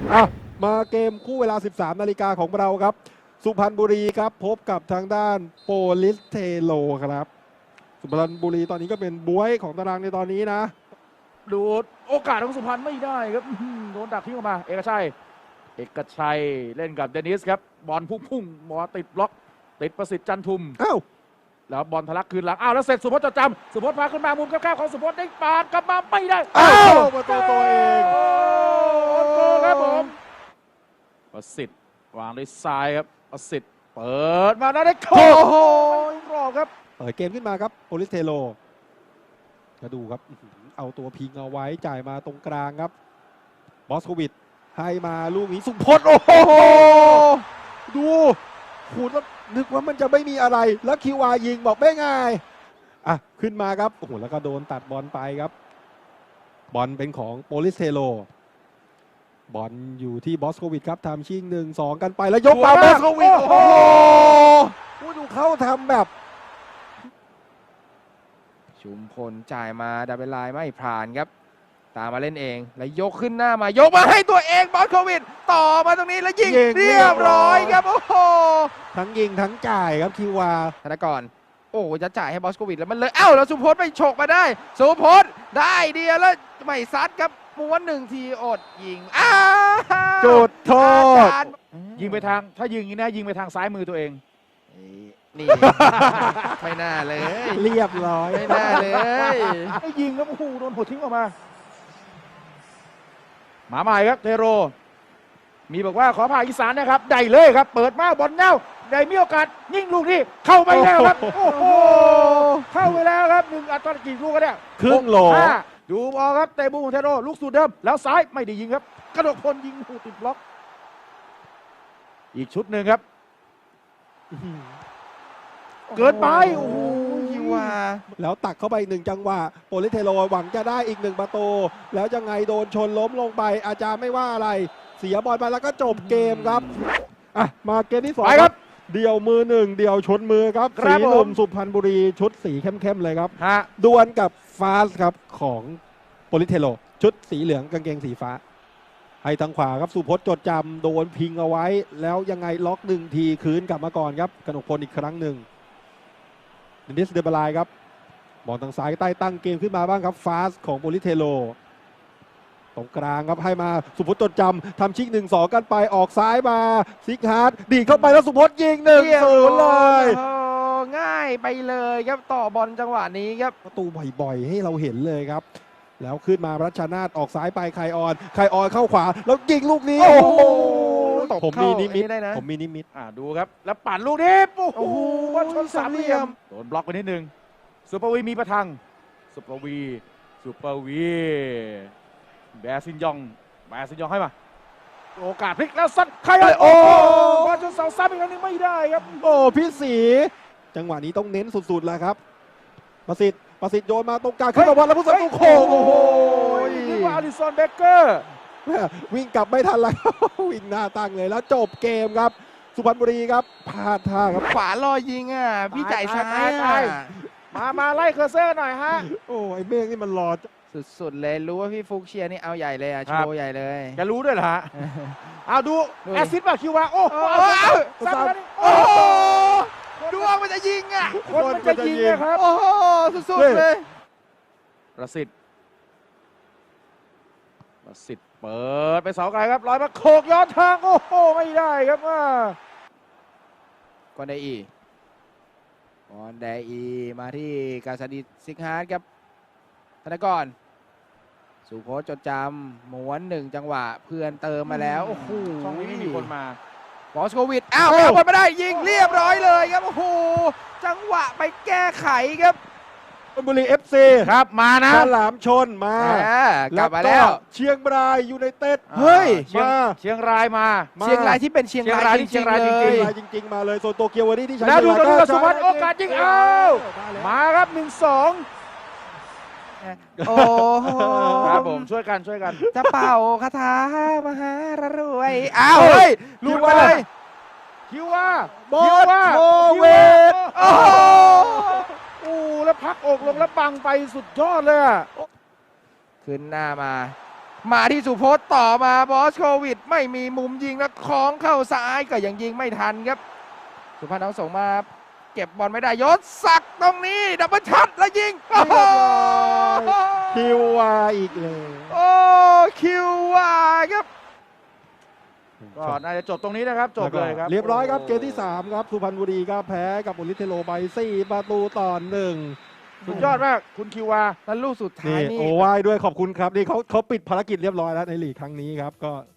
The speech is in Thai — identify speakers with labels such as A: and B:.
A: มาเกมคู่เวลา 13 นาฬิกาของเราครับสุพรรณบุรีครับพบกับทางด้านโปลิสเทโลครับสุพรรณบุรีตอนนี้ก็เป็นบ๊วยของตารางในตอนนี้นะ
B: ดูโอกาสของสุพรรณไม่ได้ครับโดนดักทิ้งออกมาเอกชัยเล่นกับเดนิสครับบอลพุ่งหมอติดบล็อกติดประสิทธิ์จันทุมแล้วบอลทะลักคืนหลังแล้วเสร็จสุพจน์จดจำสุพจน์พาขึ้นมามุมแคบๆของสุพจน์ได้ปาดกลับมาไม่ได้
A: ประตูตัวเอง
B: โกครับผมประสิทธิ์วางด้วยซ้ายครับประสิทธิ์เปิดมาได้โอ้โหรอบครับ
A: เปิดเกมขึ้นมาครับโปลิสเทโลก็ดูครับเอาตัวพิงเอาไว้จ่ายมาตรงกลางครับบอสโควิดให้มาลูกนี้สุพจน์โอ้โหดูขูดแล้วนึกว่ามันจะไม่มีอะไรแล้วคิวอายิงบอกไม่ง่ายขึ้นมาครับโอ้โหแล้วก็โดนตัดบอลไปครับบอลเป็นของโปลิสเทโลบอลอยู่ที่บอสโควิดครับทำชิง1-2กันไปแล้วยกมาบอสโควิดโอ้โหดูเขาทำแบบ
C: ชุมพลจ่ายมาดับเบิลไลน์ไม่ผ่านครับตามมาเล่นเองแล้วยกขึ้นหน้ามายกมาให้ตัวเองบอสโควิดต่อมาตรงนี้แล้วยิงเรียบร้อยครับโอ้โห
A: ทั้งยิงทั้งจ่ายครับคิวา
C: ธนกรโอ้จะจ่ายให้บอสโควิดแล้วมันเลยแล้วสุพจน์ไปฉกมาได้สุพจน์ได้เดียวแล้วไม่ซัดครับม้วน1 ทีอดยิง
A: จุดโทษ
B: ยิงไปทางถ้ายิงอย่างนี้นะยิงไปทางซ้ายมือตัวเอง
C: นี่ไม่น่าเลย
A: เรียบร้อย
C: ไม่น่าเลย
B: ให้ยิงแล้วโอ้โหโดนหัวทิ้งออกมาใหม่ครับเทโรมีบอกว่าขอผ่าอีสานนะครับได้เลยครับเปิดมาบอลเน่าได้มีโอกาสยิงลูกนี้เข้าไปแล้วครับโอ้โหเข้าไปแล้วครับ1 อัดตอนกี่ลูกกันเนี่ย
A: ครึ่งโหล
B: ดูบอลครับเตะบูของเทโรลูกสูตรเดิมแล้วซ้ายไม่ได้ยิงครับกระโดดพลยิงหูติดบล็อกอีกชุดหนึ่งครับเกินไปโอ้โห
C: ยิงว่า
A: แล้วตักเข้าไป1 จังหวะโปลิสเทโลหวังจะได้อีก1 ประตูแล้วยังไงโดนชนล้มลงไปอาจารย์ไม่ว่าอะไรเสียบอลไปแล้วก็จบเกมครับมาเกมที่2ครับเดี่ยวมือ1เดี่ยวชนมือครับสีหนุ่มสุพรรณบุรีชุดสีเข้มๆเลยครับดวลกับฟาสครับของโปลิสเทโลชุดสีเหลืองกางเกงสีฟ้าให้ทางขวาครับสุพจน์จดจำโดนพิงเอาไว้แล้วยังไงล็อก1 ทีคืนกลับมาก่อนครับกนกพลอีกครั้งหนึ่งเดนิสเดบลายครับบอลทางซ้ายใต้ตั้งเกมขึ้นมาบ้างครับฟาสของโปลิสเทโลตรงกลางครับให้มาสุพจน์จดจำทำชิก1-2กันไปออกซ้ายมาซิกฮาร์ดดีเข้าไปแล้วสุพจน์ยิง1-0เลย
C: ง่ายไปเลยครับต่อบอลจังหวะนี้ครับ
A: ประตูบ่อยๆให้เราเห็นเลยครับแล้วขึ้นมารัชนาทออกซ้ายไปไคออนเข้าขวาแล้วยิงลูกนี้โอ้โหผมมีนิมิต
B: ดูครับแล้วปั่นลูกนี้โอ้โหบอลชน3 เหลี่ยมโดนบล็อกไปนิดนึงซุปเปอร์วีมีประทังซุปเปอร์วีแบซินยองให้มาโอกาสพลิกแล้วสั้นใคร
A: โอ้
B: บอลชนเสาซ้ำอีกครั้งนึงไม่ได้ครับ
A: พี่ศรีจังหวะนี้ต้องเน้นสุดๆแล้วครับประสิทธิ์โยนมาตรงกลางขึ้นมาบอลแล้วผู้สกัดโค้งโอ้โห
B: นี่ว่าอลิสันเบเกอร์
A: วิ่งกลับไม่ทันแล้ววิ่งหน้าตั้งเลยแล้วจบเกมครับสุพรรณบุรีครับพลาดท่าครับ
C: ขวาลอยยิงพี่จ่ายซ้าย
B: มาไล่เคอร์เซอร์หน่อยฮะ
A: ไอ้เมฆนี่มันรอ
C: สุดๆเลยรู้ว่าพี่ฟุกเชียร์นี่เอาใหญ่เลยโชว์ใหญ่เลย
B: จะรู้ด้วยเหรอฮะเอาดูแอสซิสต์ป่ะคิวว่าโอ้โห
C: ดวงมันจะยิง
B: คนมันจะยิงครับ
C: โอ้โหสุดๆเลย
B: ประสิทธิ์เปิดไปเสาไกลครับลอยมาโขกย้อนทางโอ้โหไม่ได้ครับ
C: กอนไดอีมาที่กาซาดิซิกฮาร์ดครับธนกรสุพจน์จดจำม้วน1 จังหวะเพื่อนเติมมาแล้วโอ้โห
B: ช่องนี้ไม่มีคนมา
C: บอสโควิดไม่เอาบอลมาได้ยิงเรียบร้อยเลยครับโอ้โหจังหวะไปแก้ไขครับ
A: ชลบุรี FC
B: ครับมานะ
A: ฉลามชนมาก
C: ลับมาแล้ว
A: เชียงรายยูไนเต็ด
C: เฮ้ย
B: เชียงรายมา
C: เชียงรายที่เป็นเชียงรายจ
A: ริงๆมาเลยโซนโตเกียววันนี้ที่ใช้
B: แล้วดูกับสุพรรณโอกาสยิงมาครับ1-2
C: โอ้
B: ครับผมช่วยกัน
C: จะเป่าคาถามหารวยเฮ้ยลุกไปเลย
B: คิวว่า
A: บอสโควิด
B: แล้วพักอกลงแล้วบังไปสุดยอดเลย
C: ขึ้นหน้ามามาที่สุพจน์ต่อมาบอสโควิดไม่มีมุมยิงแล้วคล้องเข้าซ้ายก็ยังยิงไม่ทันครับสุพรรณเอาส่งมาเก็บบอลไม่ได้ยศศักดิ์ตรงนี้ดับเบิลชัดแล้วยิงโอ้โห
A: คิววาอีกเลย
C: โอ้คิวว่าครับ
B: ก็น่าจะจบตรงนี้นะครับจบเลยครับ
A: เรียบร้อยครับเกมที่ 3 ครับสุพรรณบุรีก็แพ้กับโปลิสเทโรไป4-1
B: สุดยอดมากคุณคิววา
C: แล้วลูกสุดท้าย
A: นี่
C: นี่
A: โอ้ไหว้ด้วยขอบคุณครับนี่เขาปิดภารกิจเรียบร้อยแล้วในลีกครั้งนี้ครับก็